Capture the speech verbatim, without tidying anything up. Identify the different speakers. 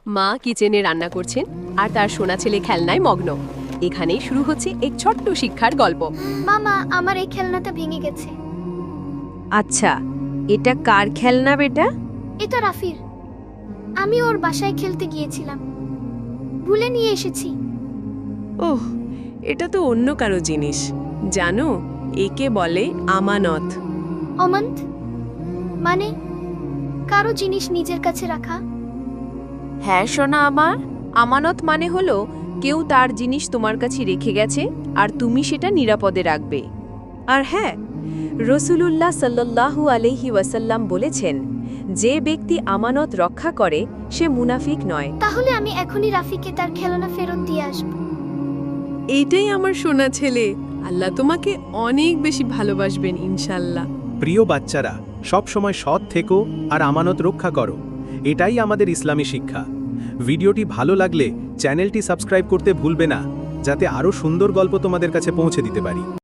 Speaker 1: মা কিচেনে রান্না করছেন আর তার সোনা ছেলে খেলনায় মগ্ন। এখানেই শুরু হচ্ছে এক ছোট্ট শিক্ষার গল্প।
Speaker 2: মামা, আমার এই খেলনাটা ভেঙে গেছে।
Speaker 3: আচ্ছা, এটা কার খেলনা বেটা?
Speaker 2: এটা রাফির। আমি ওর বাসায় খেলতে গিয়েছিলাম, ভুলে নিয়ে এসেছি।
Speaker 4: ওহ, এটা তো অন্য কারো জিনিস। জানো, একে বলে আমানত।
Speaker 2: অমন্ত মানে কারো জিনিস নিজের কাছে রাখা।
Speaker 3: হ্যাঁ সোনা আমার, আমানত মানে হলো কেউ তার জিনিস তোমার কাছে রেখে গেছে আর তুমি সেটা নিরাপদে রাখবে। আর হ্যাঁ, রসুলুল্লাহ সাল্লাল্লাহু আলাইহি ওয়াসাল্লাম বলেছেন, যে ব্যক্তি আমানত রক্ষা করে সে মুনাফিক নয়।
Speaker 2: তাহলে আমি এখনই রাফিকে তার খেলনা ফেরত দিয়ে আসব।
Speaker 4: এইটাই আমার সোনা ছেলে। আল্লাহ তোমাকে অনেক বেশি ভালোবাসবেন ইনশাল্লাহ।
Speaker 5: প্রিয় বাচ্চারা, সব সময় সৎ থেকো আর আমানত রক্ষা করো। এটাই আমাদের ইসলামী শিক্ষা। ভিডিওটি ভালো লাগলে চ্যানেলটি সাবস্ক্রাইব করতে ভুলবে না, যাতে আরও সুন্দর গল্প তোমাদের কাছে পৌঁছে দিতে পারি।